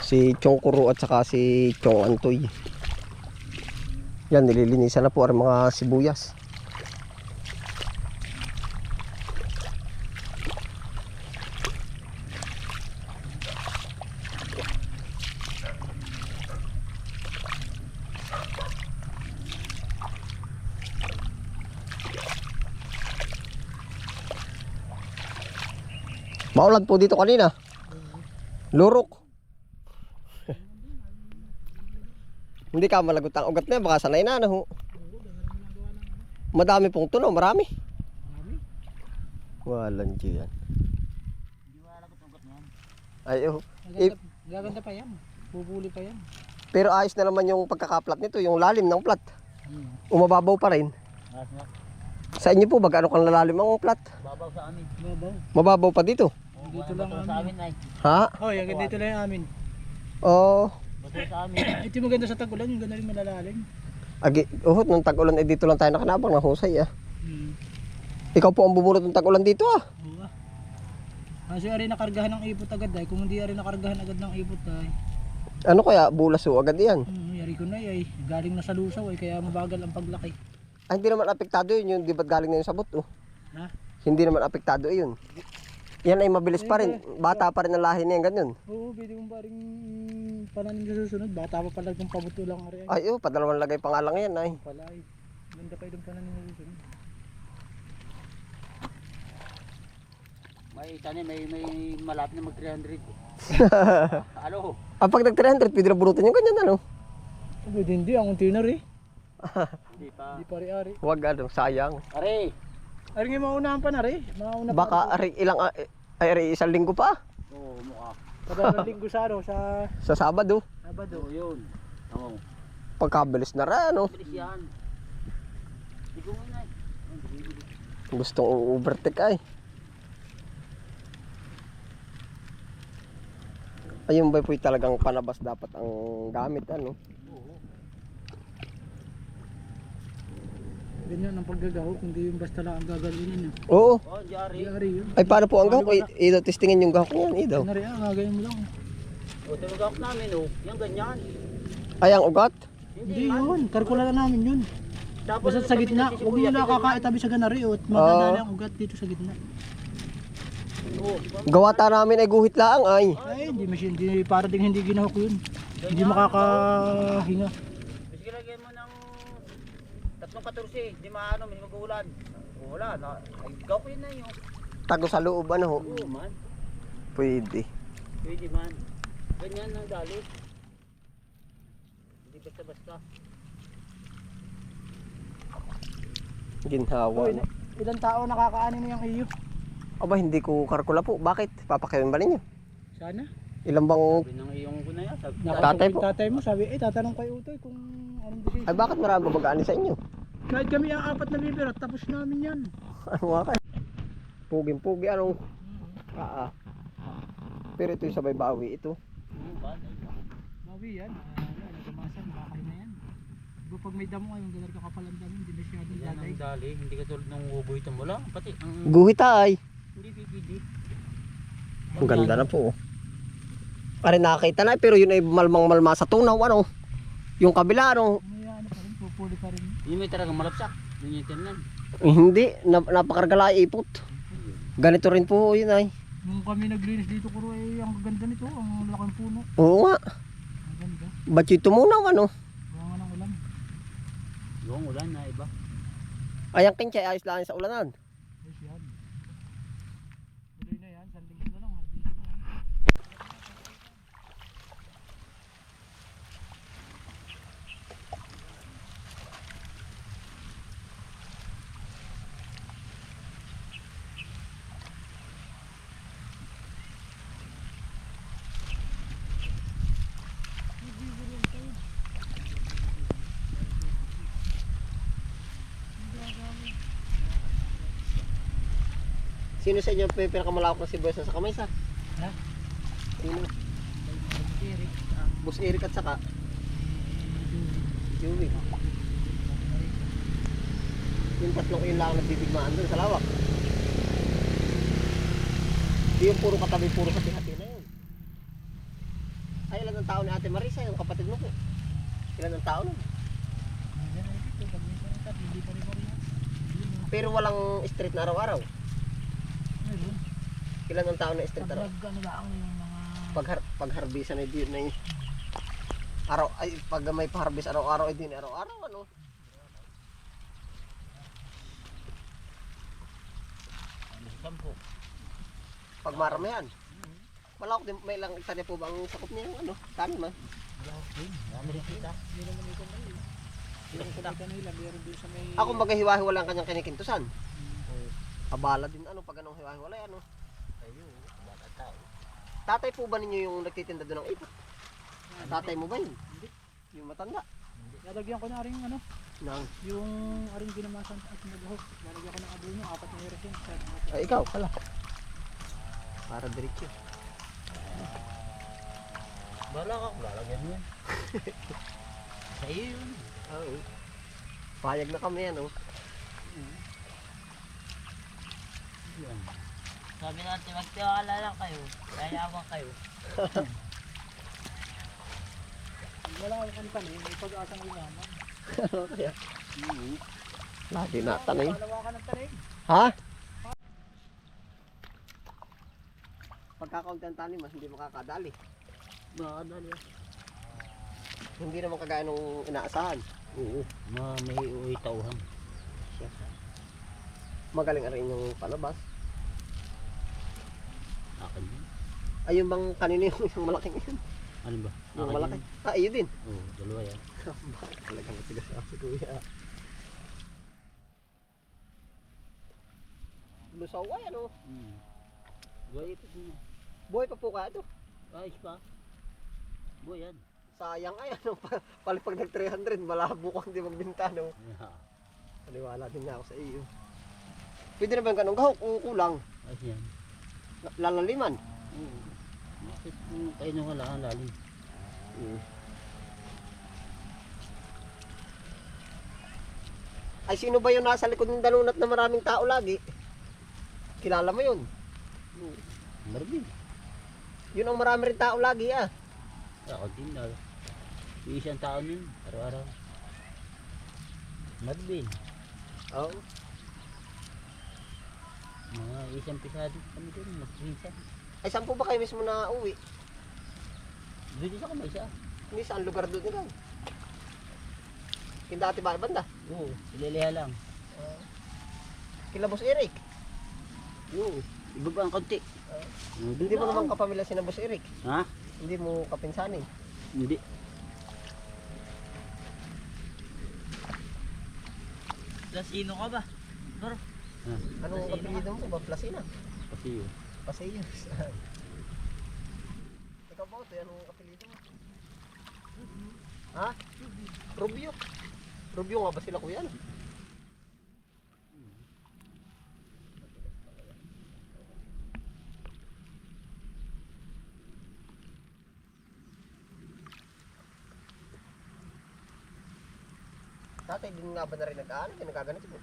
Si Chong Kuro at saka si Chong Antoy. Yan, nililinisan na po ang mga sibuyas. Maulan po dito kanina. Lurok. Hindi ka malagot ang ugat na, baka sanay na ho. Madami pong tuno, marami. Walang diyan. Hindi malagot ang ugat niyan. Ay, oh. Gaganda pa yan. Pupuli pa yan. Pero ayos na naman yung pagkakaplat nito, yung lalim ng plat. Umababaw pa rin. Sa inyo po, baga ano kang lalalim ang plat? Babaw sa amin. Babaw. Mababaw pa dito. Dito lang sa amin ay. Ha? Oh, yung dito lang yung amin. Oh. Bato sa amin. Ito yung maganda sa tag-ulan, yung ganda rin malalalim. Agi, nung tag-ulan dito lang tayo nakanabang ng husay Ikaw po ang bumunot ng tag-ulan dito Oo. Kasi ari nakargahan ng ipot agad ay. Kung hindi ari nakargahan agad ng ipot ay. Ano kaya, bulas agad yan? Yari ko na ay. Galing na sa lusaw ay, kaya mabagal ang paglaki. Ay, hindi naman apektado yun, di ba't galing na yung sabot Ha? Hindi naman apektado yun. Yan ay mabilis pa rin, bata pa rin ang lahi niya ganyan. Oo, pwede mong paring pananim sa susunod. Bata pa pala itong pabuto lang ari. Ay, padalawang lagay pa nga lang yan ay. Pala ay. Ganda pa itong pananim sa susunod. May tanim, may malapit na mag 300. Ano? Pag nag 300, pwede na bunutin yung ganyan Pwede hindi, ang unti na rin. Hindi pa. Hindi pa rin ari. Huwag sayang. Ari! Ari nga maunahan pa na rin. Baka ari isang linggo pa. Oo, mukha. Kada linggo sa Sa Sabado. Sabado. Oo, yun. Oo. Pagkabilis na rin Bilis yan. Hindi ko muna Gustong overtake ay. Ayun ba po talagang panabas dapat ang gamit Oo. Ganyan ang paggagahok, hindi yung basta lang ang gagalinin. Oo. Oh, diari yun. Ay paano po ang gahok? Idaw testingin yung gahok niyan, idaw. Ano rin, gagayin mo lang. O, ito yung gahok namin, yung ganyan. Ay, ang ugat? Hindi yun, karkula na namin yun. Basta sa gitna, huwag mo nakakaitabi sa ganari at maganda ang ugat dito sa gitna. Gawata namin ay guhit lang ay. Ay, hindi para ding hindi ginahok yun. Hindi makakahinga. Sige, lagyan mo ng 3-14, di maano, may mag-uulan. Wala na, ay gaw ko yun na yun. Tago sa loob ho? Oo man. Pwede. Pwede man. Ganyan ang dali. Hindi basta-basta. Ginhawa. Ilang tao nakakaanin mo yung iyo? Aba, hindi ko karkula po. Bakit? Papakawin ba ninyo? Sana. Ilang bang... Sabi ng iyong ko na yan. Tatay po. Tatay mo, sabi, tatanong kay Utoy kung anong decision. Ay, bakit marami babagaan sa inyo? Kahit kami ang 4 na bibirot, tapos namin yan. Ano nga kayo? Puging-pugi, anong... Pero ito yung sabay bawi, ito. Bawi yan. Nagamasan, bakay na yan. Diba pag may damo, yung galar kakapalang damo, hindi masyadong yan ang dali, hindi ka tulad ng uboy ito mo lang. Pati ang... Guhit ay. Hindi pipili. Ang ganda na po. Pare nakakita na, pero yun ay malmang-malma sa tunaw, Yung kabila, May ano pa rin, pupuli pa rin. Hindi may talagang malapsak. Hindi yung tinan. Hindi, napakargala ipot. Ganito rin po yun ay. Nung kami naglinis dito, kuro ay ang ganda nito, ang laking puno. Oo nga. Ang ganda. Ba't yung tumunaw, Buwangan ng ulan. Yung ulan na iba. Ay, ang kinchay, ayos lang sa ulanan. Ayos yan. Tuloy na yan, sanding na lang. Dito na yan. Sino sa inyo pinakamalawak na sibuyas sa kamay sa? Ha? Sino? Eric. Boss Eric at saka? Joey. Yung tatlong yun lang nagtitigmaan doon sa lawak. Di yung puro katabi, puro hati-hati na yun. Ay, ilan ang ang tao ni Ate Marisa, yung kapatid mo po? Ilan ang tao nun? Hindi na ito, pag minsan ito, hindi pa rin pa rin. Pero walang street na araw-araw. Meron. Ilan ang tao na street araw? Pag ano lang yung mga... Pagharbisan ay di na araw ay pag may paharbis araw-araw ay din araw-araw ano. Ano sa sampo? Pag maramihan. Malawak din may ilang hektarya po ba ang sakop niya yung ano? Tanim ah. Dami rin kita. Hindi naman ito na yun. Yung kumita nila, meron din sa may... Ako maghiwa-hiwala ang kanyang kinikintusan. Abala din ano pag anong hiwa-hiwala ano. Tayo, bata tao. Tatay po ba ninyo yung nagtitinda doon ng ipot? Tatay mo ba yun? Hindi. Yung matanda? Lalagyan ko na rin ano, Nang. yung aring ginamasan at nag-hook. Lalagyan ko ng abono, 4 na heres yun. Ay ikaw pala. Para diretso. Bala ka, lalagyan mo yan. Sa iyo yun. Oo. Payag na kami ano. Yan. Sabi natin, magtiwala lang kayo. Yayaman kayo. Wala akong tanim, may pag-asang umaman. Kaya. Lagi na tanim. Palawakan ng tanim. Ha? Pagkakaunti ang tanim mas hindi makakadali. Baka dali. Hindi naman kagaya nung inaasahan. Oo, may uwi tauhan. Magaling rin yung palabas. Akin yun. Ay yung bang kanina yung malaking yun. Ano ba? Yung Akin malaki. yun. Ah, iyo din. Oo, dalawa yan. Talagang matigas ako si kuya. Lusaw ay ano. Buhay ito mo. Buhay pa po kaya ito. Ayos pa. Buhay yan. Sayang ay ano. Palipag nag 300. Malabo kang di magbinta no. Yeah. Paniwala din na ako sa iyo. Pwede na ba yung ganong gahok kung kulang? Ayos yan. Lalaliman. Oo. Bakit kung kayo nung wala ang lalim? Ay sino ba yung nasa likod ng dalunat na maraming tao lagi? Kilala mo yun? Marvin. Yun ang marami rin tao lagi ah. Ako din na. Yung isang taon yun. Araw-araw. Marvin. Oo. Mga isang pisado kami doon. Magpinsan. Ay saan po ba kayo mismo na uwi? Doon sa kamay siya. Hindi saan lugar doon ikaw? Yung dati ba banda? Oo. Ililiha lang. Kila Boss Eric. Oo. Ibaba ang konti. Hindi mo naman kapamilya si na Boss Eric. Ha? Hindi mo kapinsanin. Hindi. Lasino ka ba? Bro, Anong apelyido mo ba? Plasina? Kasi yun. Pasayos. Ikaw ba ito? Anong apelyido mo? Ha? Rubio. Rubio nga ba sila kuya? No? Tatay, din nga ba na rin nag-ano? Nagaganit mo?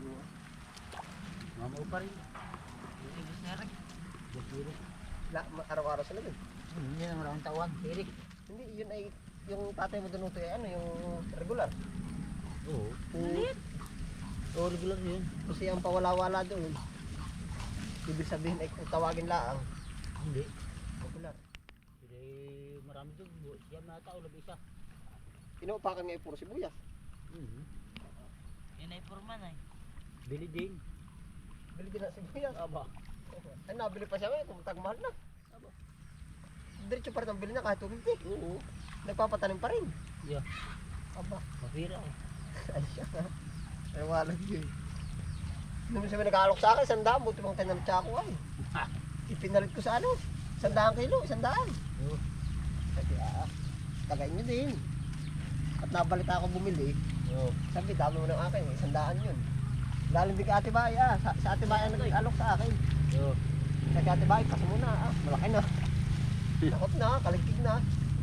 Mamaw pa rin. ibig na rin. Araw-araw sila din. Hindi naman akong tawag. Eric. Hindi, yun ay yung tatay mo doon ay ano, yung regular. Oo. Maliit. Oo, regular yun. Kasi ang pawala-wala doon. Ibig sabihin ay kung tawagin laang. Hindi. Regular. Hindi marami doon. Siya na tao, labi isa. Inuupakan nga ay puro sibuyas. Yun ay purman ay. Bili din. Bili din na sibuyas. Aba. Ay nabili pa siya ngayon, kung tagmahal na. Diretso pa rin ang bili na kahit 250. Oo. Nagpapatanim pa rin. Yeah. Aba, Mapira eh. ay siya nga. Ay walang yun. Nung sabi nag-aalok sa akin, 100, buti mong tayo ng tsako ay. Ipinalit ko sa ano, 100 kilo, 100. Oo. Sabi, tagayin nyo din. At nabalita ako bumili, Oo. sabi, dami mo ng akin, 100 yun. Lalim din ka Ate Bay, sa Ate Bay ang nag-alok sa akin. Oo. Sa Ate Bay, kasi muna, malaki na. Takot na, kaligtig na.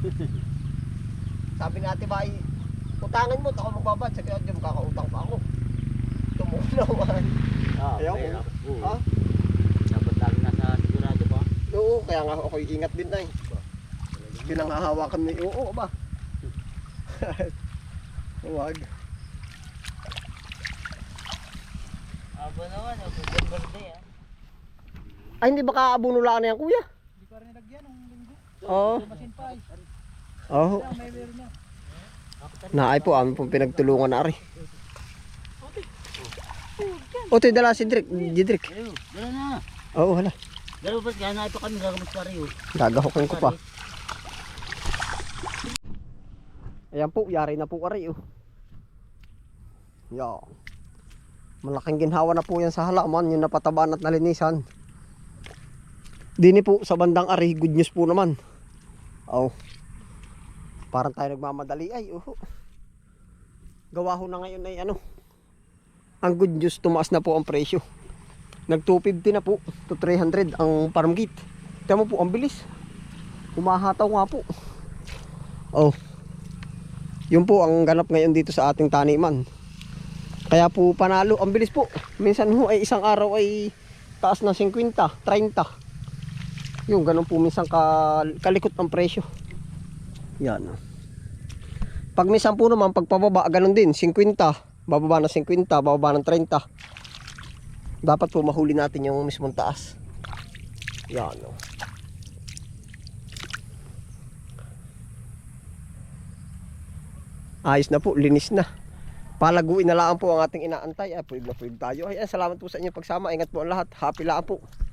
Sabi ni Ate Bay, utangin mo, ako magbabad. Sabi ko, diyan kakautang pa ako. Tumunawan. Ayaw ko. Oo. Ha? Dapat lagi nasa sigurado pa. Oo, kaya nga ako ingat din na eh. Pinanghahawakan mo yung oo ba? Huwag. Abo naman, berde ah. Ay, hindi ba kaabunulaan na yan, kuya? Hindi pa rin nilagyan ng linggo. Oo. Masin pa eh. Oo. May meron na. Naay po, amin pong pinagtulungan na rin. O, ito'y dala si Didrik. Ayo, dala na. Oo, hala. Dala ba, gana pa kami gagamot pa rin. Gagahukin ko pa. Ayan po, yari na po aray oh. Yan. Malaking ginhawa na po yan sa halaman, yung napataban at nalinisan. Dini po sa bandang ari, good news po naman. Oh. Parang tayo nagmamadali ay gawa ho na ngayon ay ano. Ang good news, tumaas na po ang presyo. Nag 250 na po to 300 ang farm gate. Tignan mo po, ang bilis. Humahataw nga po. Oh. Yun po ang ganap ngayon dito sa ating taniman. Kaya po panalo, ang bilis po. Minsan ho ay isang araw ay taas na 50, 30. Yung ganun po minsan kalikot ang presyo. Yan. Pag minsan po naman pagpababa ganun din, 50, bababa na 50, bababa ng 30. Dapat po mahuli natin yung mismong taas. Yan. Ayos na po, linis na. Palaguin na lang po ang ating inaantay. Pwede na pwede tayo. Ayan, salamat po sa inyong pagsama. Ingat po ang lahat. Happy lang po.